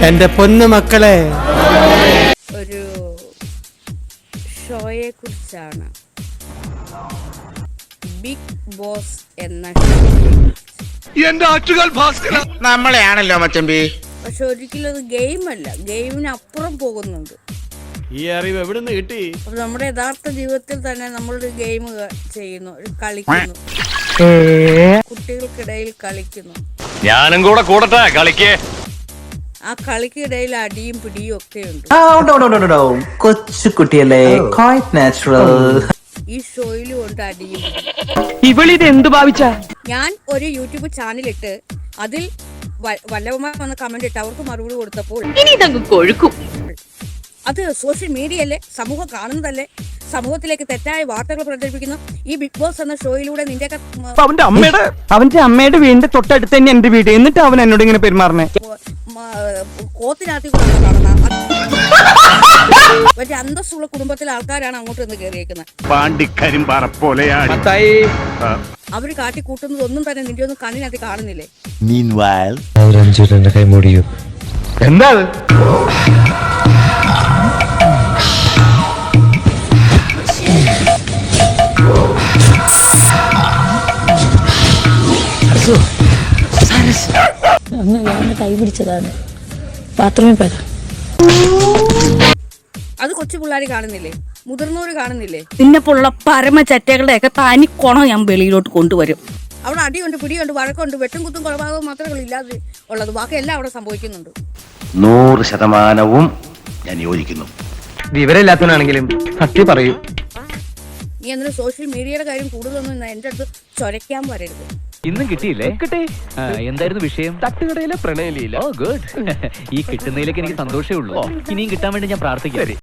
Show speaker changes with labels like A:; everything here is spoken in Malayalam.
A: എന്റെ പൊന്നു മക്കളെ,
B: ഒരു ഷോയെ കുറിച്ചാണ്. ബിഗ് ബോസ് എന്ന
C: നമ്മളെയാണല്ലോ മച്ചമ്പി.
B: പക്ഷെ ഒരിക്കലും അത് ഗെയിമല്ല, ഗെയിമിനപ്പുറം പോകുന്നുണ്ട്.
A: ഈ അറിവ് എവിടെ നിന്ന് കിട്ടി?
B: അപ്പൊ നമ്മുടെ യഥാർത്ഥ ജീവിതത്തിൽ തന്നെ നമ്മളൊരു ഗെയിം ചെയ്യുന്നു, കളിക്കുന്നു, കുട്ടികൾക്കിടയിൽ കളിക്കുന്നു.
D: ഞാനും കൂടെ കൂടട്ടെ കളിക്കേ.
B: ആ കളിക്കിടയിൽ അടിയും പിടിയും ഒക്കെ ഉണ്ട്.
E: കൊച്ചു കുട്ടിയല്ലേ, ക്വൈറ്റ് നാച്ചുറൽ.
B: ഈ ഷോയിലും ഉണ്ട് അടിയും.
F: ഇവളിത് എന്ത് ഭാവിച്ച?
B: ഞാൻ ഒരു യൂട്യൂബ് ചാനലിട്ട് അതിൽ വല്ലവന്മാർ വന്ന് കമന്റ് ഇട്ട് അവർക്ക് മറുപടി കൊടുത്തപ്പോൾ
F: കൊഴുക്കും.
B: അത് സോഷ്യൽ മീഡിയയല്ലേ, സമൂഹം കാണുന്നതല്ലേ, സമൂഹത്തിലേക്ക് തെറ്റായ വാർത്തകൾ പ്രചരിപ്പിക്കുന്നു. ഈ ബിഗ് ബോസ് എന്ന ഷോയിലൂടെ നിന്റെ
F: അവന്റെ അമ്മയുടെ വീടിന്റെ തൊട്ടടുത്ത് തന്നെ എന്റെ വീട്. എന്നിട്ട് അവൻ എന്നോട് ഇങ്ങനെ പെരുമാറണേ.
B: കോത്തിനകത്തി കൂടെ കാണുന്ന മറ്റേ അന്തസ്സുള്ള കുടുംബത്തിലെ ആൾക്കാരാണ് അങ്ങോട്ട് നിന്ന് കയറിയേക്കുന്നത്. അവര് കാട്ടി കൂട്ടുന്നത് ഒന്നും തന്നെ നിന്റെ ഒന്നും കണ്ണിനകത്ത് കാണുന്നില്ലേ?
D: എന്താ
G: കൈ പിടിച്ചതാണ് ബാത്റൂമിൽ പോയത്.
B: അത് കൊച്ചു പിള്ളേര് കാണുന്നില്ലേ, മുതിർന്നവര് കാണുന്നില്ലേ? നിന്നെപ്പോലുള്ള പരമ ചറ്റകളുടെ ഒക്കെ തനി കുണം ഞാൻ വെളിയിലോട്ട് കൊണ്ടുവരും. അവിടെ അടിയുണ്ട്, പിടിയുണ്ട്, വഴക്കുണ്ട്, വെട്ടും കുത്തും കൊലപാതകവും മാത്രമേ ഇല്ലാതെ ഉള്ളത്. ബാക്കി എല്ലാം അവിടെ സംഭവിക്കുന്നുണ്ട്.
C: 100% ഞാൻ യോജിക്കുന്നു.
F: വിവരമില്ലാത്തവനാണെങ്കിലും സത്യം പറയൂ.
B: നീ എന്തിനും സോഷ്യൽ മീഡിയയുടെ കാര്യം കൂടുതലൊന്നും എന്റെ അടുത്ത് ചൊരയ്ക്കാൻ വരരുത്.
H: ഇന്നും കിട്ടിയില്ലേ? കിട്ടി. എന്തായിരുന്നു വിഷയം? തട്ടുകടയിലെ പ്രണയലീല. Oh good. ഈ കിട്ടുന്നതിലേക്ക് എനിക്ക് സന്തോഷമേ ഉള്ളൂ. ഇനിയും കിട്ടാൻ വേണ്ടി ഞാൻ പ്രാർത്ഥിക്കാം.